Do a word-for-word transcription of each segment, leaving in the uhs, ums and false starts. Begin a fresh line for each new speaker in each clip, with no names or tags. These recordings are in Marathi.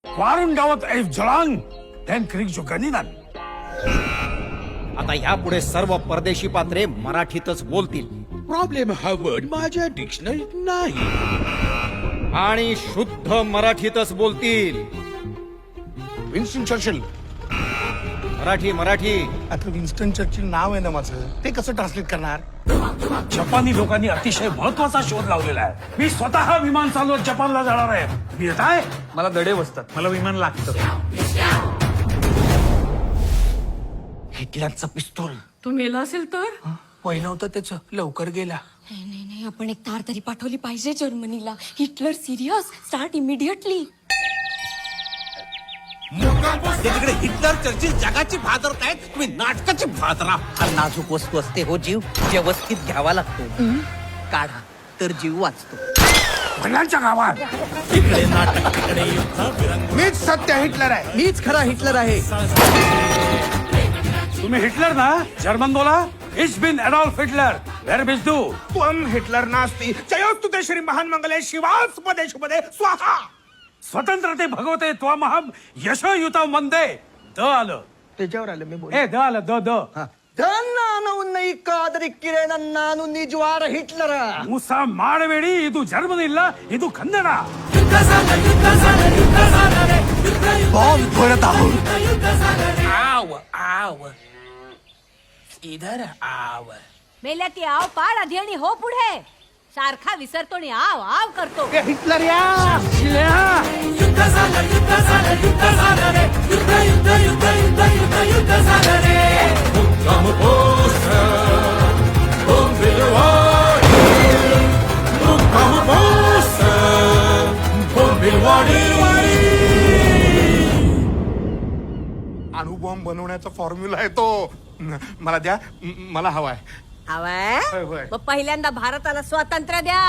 Warum dauert es so lang? Dann kriegst du Ganinan.
आता यापुढे सर्व परदेशी पात्रे मराठीतच बोलतील
प्रॉब्लेम हा वर्ड माझ्या डिक्शनरीत नाही.
आणि शुद्ध मराठीतच बोलतील.
Winston Churchill.
मराठी मराठी
आता विन्स्टन चर्चिल नाव आहे ना माझं, ते कसं ट्रान्सलेट करणार?
जपानी लोकांनी अतिशय महत्वाचा शोध लावलेला आहे. मी स्वतः विमान चालवत जपानला जाणार आहे. मी येत आहे.
मला दडे बसतात, मला विमान लागतं.
हिटलरचा पिस्तूल
तो मेला असेल तर
पहिलं होतं त्याचं, लवकर गेला.
नाही नाही नाही आपण एक तार तरी पाठवली पाहिजे जर्मनीला. Hitler serious, start immediately.
तिकडे हिटलर चर्चिल जगाची भादरत आहेत, तुम्ही नाटकाची भादरा.
फार नाजूक वस्तू असते हो जीव, व्यवस्थित घ्यावा लागतो. काढा तर जीव वाचतो.
भल्यांच्या गावात
मीच सत्य हिटलर आहे.
मीच खरा हिटलर आहे.
तुम्ही हिटलर ना? जर्मन बोला. इट्स बिन एडॉल्फ हिटलर. वेर बिस तू?
त्वम हिटलर नास्ती जयोस्तु ते श्री महान मंगले शिवास पदे शुभदे स्वाहा.
स्वतंत्रते भगवते त्वमहम यशोयुतम वंदे. द आलं.
त्याच्यावर आलं मी बोल.
ए द आलं. द द
ನಾನು ನಿಜವಾದ ಹಿಟ್ಲರ.
ಮುಸ ಮಾಡಬೇಡಿ. ಇದು ಜರ್ಮನಿ ಇಲ್ಲ, ಇದು ಕನ್ನಡ.
बॉम्ब फोडत आहोत.
आव आव इधर आव.
मेल्या की आव पाड आधी आणि हो पुढे. सारखा विसरतो आणि आव आव करतो.
हिटलर या. अणुबॉम्ब बनवण्याचा फॉर्म्युला आहे तो. मला द्या, म- मला हवाय.
हवाय
होय, होय.
मग पहिल्यांदा भारताला स्वातंत्र्य द्या.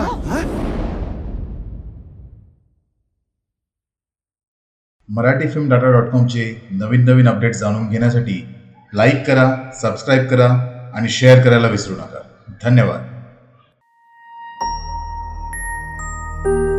मराठी फिल्म डाटा डॉट कॉमचे नवीन नवीन अपडेट्स जाणून घेण्यासाठी लाईक करा, सबस्क्राईब करा आणि शेअर करायला विसरू नका. धन्यवाद.